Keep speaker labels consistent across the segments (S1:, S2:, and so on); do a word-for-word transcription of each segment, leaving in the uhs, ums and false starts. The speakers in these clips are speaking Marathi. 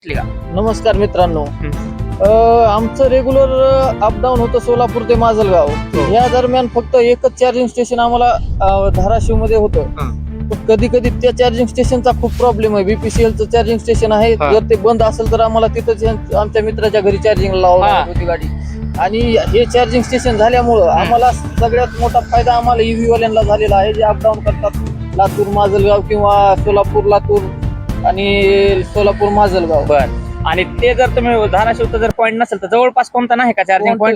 S1: नमस्कार मित्रांनो, आमचं रेग्युलर अपडाऊन होतं सोलापूर ते माजलगाव. या दरम्यान फक्त एकच चार्जिंग स्टेशन आम्हाला धाराशिव मध्ये होतं. कधी कधी त्या चार्जिंग स्टेशनचा खूप प्रॉब्लेम आहे. बीपीसीएलचं चार्जिंग स्टेशन आहे, जर ते बंद असेल तर आम्हाला तिथंच आमच्या मित्राच्या घरी चार्जिंग लावणार होती गाडी. आणि हे चार्जिंग स्टेशन झाल्यामुळं आम्हाला सगळ्यात मोठा फायदा आम्हाला ईव्ही वाल्यांना झालेला आहे, जे अपडाऊन करतात लातूर माजलगाव किंवा सोलापूर लातूर आणि सोलापूर माजलगाव.
S2: बर, आणि ते जर तुम्ही धाराशिवचं जर पॉईंट नसेल तर जवळपास कोणता नाही का चार्जिंग पॉईंट?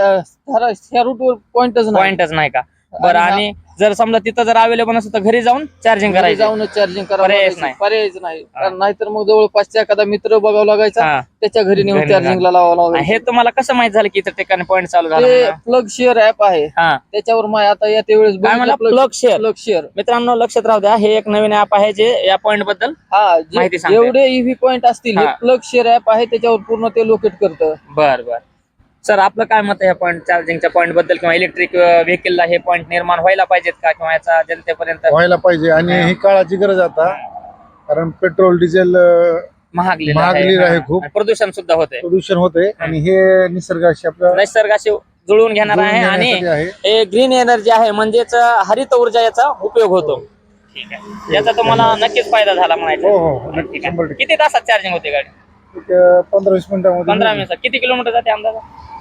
S1: ह्या रूटवर पॉइंटच नाही.
S2: पॉईंटच नाही का? बरं, आणि जर समजा तिथं जर अवेलेबल नसेल तर घरी जाऊन चार्जिंग करायचं,
S1: जाऊनच चार्जिंग
S2: पर्यायच नाही.
S1: पर्यायच नाही. नाहीतर मग जवळपासचा एखादा मित्र बघावं लागायचा, त्याच्या घरी नेऊन चार्जिंगला लावावं लागायचं.
S2: हे तुम्हाला कसं माहित झालं की इतर ठिकाणी पॉईंट चालू झाला?
S1: प्लग शेअर ऍप आहे, त्याच्यावर माय आता या त्यावेळेस
S2: प्लग शेअर.
S1: प्लग शेअर
S2: मित्रांनो लक्षात राहू द्या, हे एक नवीन ऍप आहे जे या पॉईंट बद्दल
S1: हा
S2: माहिती सांगते.
S1: जेवढे ईव्ही पॉइंट असतील हे प्लग शेअर ऍप आहे, त्याच्यावर पूर्ण ते लोकेट करतं.
S2: बर बर सर, आपलं काय मत आहे पॉईंट चार्जिंगच्या पॉईंट बद्दल, किंवा इलेक्ट्रिक व्हेकलला हे पॉईंट निर्माण व्हायला पाहिजेत का, किंवा याचा जनतेपर्यंत
S3: व्हायला पाहिजे? आणि ही काळाची गरज आता, कारण पेट्रोल डिझेल
S2: महागलेलं
S3: महागलेलं आहे खूप,
S2: आणि प्रदूषण सुद्धा होते,
S3: प्रदूषण होते, आणि हे निसर्गाशी आपलं
S2: निसर्गाशी जुळवून घेणार आहे आणि हे ग्रीन एनर्जी आहे, म्हणजेच हरित ऊर्जा याचा उपयोग होतो. ठीक आहे, याचा तुम्हाला नक्कीच फायदा झाला म्हणायचा.
S3: हो हो, शंभर टक्के.
S2: किती तासात चार्जिंग होते गाडी?
S3: पंधरा वीस मिनिटांमध्ये.
S2: पंधरा मिनिटात. किती किलोमीटर जाते अंदाजा?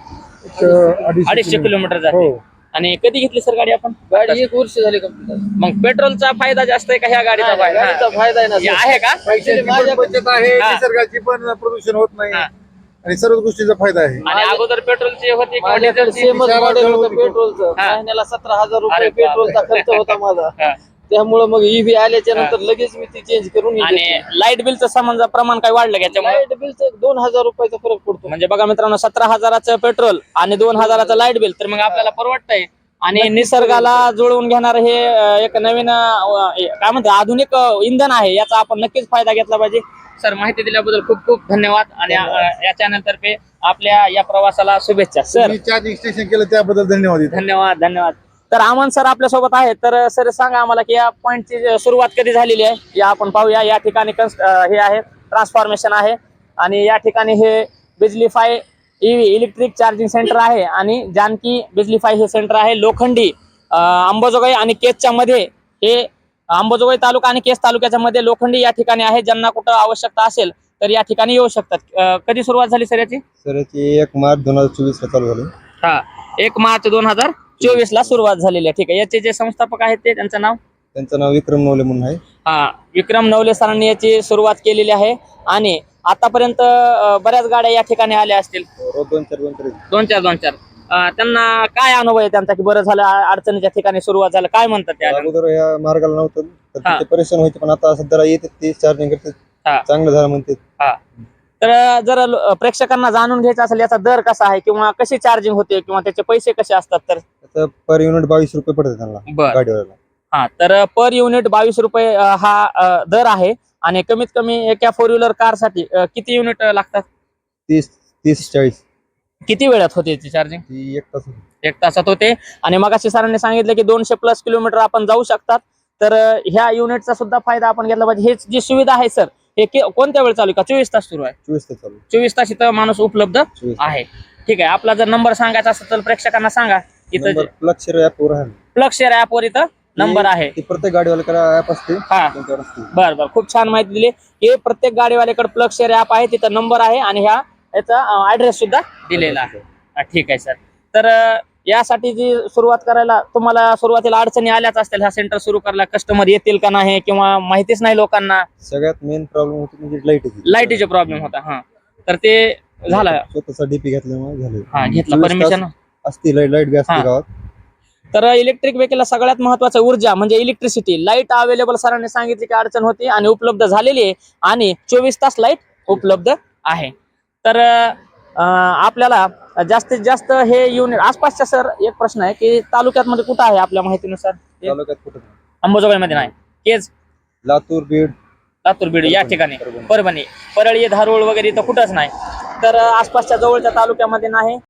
S3: अडीचशे
S2: अडीचशे किलोमीटर जाते.
S3: हो.
S2: आणि कधी घेतली सर गाडी आपण?
S1: गाडी एक वर्ष झाली का?
S2: मग पेट्रोलचा फायदा जास्त आहे का ह्या गाडीचा फायदा?
S1: गाडीचा फायदा आहे ना
S2: हे आहे का?
S3: पैशाची पण बचत आहे, निसर्गाची पण प्रदूषण होत नाही, आणि सर्व गोष्टीचा फायदा आहे.
S2: आणि अगोदर पेट्रोलची होती किंवा
S1: माझ्याकडे
S2: डिझेलची?
S1: सेमच मॉडेल होतं पेट्रोलचं. महिन्याला सतरा हजार रुपये पेट्रोलचा खर्च होता माझा. त्यामुळे मग ईव्ही आल्याच्या नंतर लगेच मी ती चेंज करून.
S2: आणि लाईट बिलचं समजा प्रमाण काय वाढलं त्याच्यामुळे?
S1: लाईट बिलचं दोन हजार रुपयाचा फरक पडतो.
S2: म्हणजे बघा मित्रांनो, सतरा हजाराचं पेट्रोल आणि दोन हजाराचं लाईट बिल, तर मग आपल्याला परवडतंय. आणि निसर्गाला जुळवून घेणार हे एक नवीन काय म्हणतात आधुनिक इंधन आहे, याचा आपण नक्कीच फायदा घेतला पाहिजे. सर, माहिती दिल्याबद्दल खूप खूप धन्यवाद, आणि या चॅनल तर्फे आपल्या या प्रवासाला शुभेच्छा. सर,
S3: चार्जिंग स्टेशन केलं त्याबद्दल धन्यवाद.
S2: धन्यवाद धन्यवाद तर अमन सर आपल्या सोबत आहेत. तर सर सांगा आम्हाला की या पॉईंटची सुरुवात कधी झालेली आहे, या आपण पाहूया. या ठिकाणी हे आहे ट्रान्सफॉर्मेशन आहे, आणि या ठिकाणी हे Bijlify EV electric charging centre आहे, आणि जानकी बिजलीफाय हे सेंटर आहे लोखंडी अंबाजोगाई आणि केजच्या मध्ये. हे अंबाजोगाई तालुका आणि केज तालुक्याच्या मध्ये लोखंडी या ठिकाणी आहे. ज्यांना कुठं आवश्यकता असेल तर या ठिकाणी येऊ शकतात. कधी सुरुवात झाली सर याची?
S3: सर याची एक मार्च दोन हजार चोवीस ला चालू झाली.
S2: हा, एक मार्च दोन हजार चोवीस ला सुरुवात झालेली आहे. ठीक आहे, याचे जे संस्थापक आहेत ते त्यांचं नाव?
S3: त्यांचं नाव विक्रम नवले म्हणून आहे.
S2: हा, विक्रम नवले सरांनी याची सुरुवात केलेली आहे, आणि आतापर्यंत बऱ्याच गाड्या या ठिकाणी आल्या असतील.
S3: दोन चार दोन चार
S2: दोन चार दोन चार त्यांना काय अनुभव आहे त्यांचा की बरं झालं अडचणीच्या ठिकाणी सुरुवात झालं? काय म्हणतात त्या?
S3: अगोदर या मार्गाला नव्हतं तर तिथे परेशान व्हायचे, पण आता सध्या येते ते चार्जिंग करते, चांगलं झालं म्हणते.
S2: हा, तर जर प्रेक्षकांना जाणून घ्यायचं असेल याचा दर कसा आहे, किंवा कशी चार्जिंग होते, किंवा त्याचे पैसे कसे असतात, तर
S3: त्याचं पर युनिट बावीस रुपये पडते त्यांना गाडीवाल्याला.
S2: हा, तर पर युनिट बावीस रुपये हा दर आहे. आणि कमीत कमी एका फोर व्हीलर कार साठी किती युनिट लागतात?
S3: तीस तीस चाळीस.
S2: किती वेळात होते ती चार्जिंग?
S3: ती एक तास
S2: एक तासात होते. आणि मगाशी सरांनी सांगितलं की दोनशे प्लस किलोमीटर आपण जाऊ शकतात. तर ह्या युनिटचा सुद्धा फायदा आपण घेतला पाहिजे. हे जी सुविधा आहे सर, हे कोणत्या वेळ चालू आहे का? चोवीस तास सुरू आहे?
S3: चोवीस तास चालू.
S2: चोवीस तास इथं माणूस उपलब्ध आहे. ठीक आहे, आपला जर नंबर सांगायचा असेल तर प्रेक्षकांना सांगा. इथं
S3: प्लग शेअर ऍपवर आहे.
S2: प्लग शेअर ऍपवर इथं नंबर आहे.
S3: प्रत्येक गाडीवाल्याकडे ऍप असते.
S2: हा, बर बर खूप छान माहिती दिली. हे प्रत्येक गाडीवाल्याकडे प्लग शेअर ऍप आहे, तिथं नंबर आहे, आणि ह्या याचा ऍड्रेस सुद्धा दिलेला आहे. ठीक आहे सर, तर यासाठी जी सुरुवात करायला तुम्हाला सुरुवातीला अडचणी आल्याच असतील, हा सेंटर सुरू करायला कस्टमर येतील का नाही, किंवा माहितीच नाही लोकांना?
S3: सगळ्यात मेन प्रॉब्लेम होती म्हणजे लाईट
S2: लाईटीचा प्रॉब्लेम होता. हा, तर ते झालं.
S3: स्वतःचा डीपी घेतल्यामुळे झालं.
S2: हा, घेतला परमिशन
S3: असती, लाईट लाईट बी असते गावात.
S2: तर इलेक्ट्रिक व्हेकलला सगळ्यात महत्वाचं ऊर्जा म्हणजे इलेक्ट्रिसिटी. लाईट अवेलेबल सरांनी सांगितली की अडचण होती, आणि उपलब्ध झालेली आहे, आणि चोवीस तास लाईट उपलब्ध आहे. तर आपल्याला जास्तीत जास्त हे युनिट आसपासच्या, सर एक प्रश्न आहे की तालुक्यात मध्ये कुठं आहे आपल्या माहितीनुसार?
S3: तालुक्यात कुठं?
S2: अंबाजोगाई मध्ये नाही, केज,
S3: लातूर, बीड,
S2: लातूर बीड या ठिकाणी, परभणी, परळी, धारूळ वगैरे इथं कुठंच नाही. तर आसपासच्या जवळच्या तालुक्यामध्ये नाही.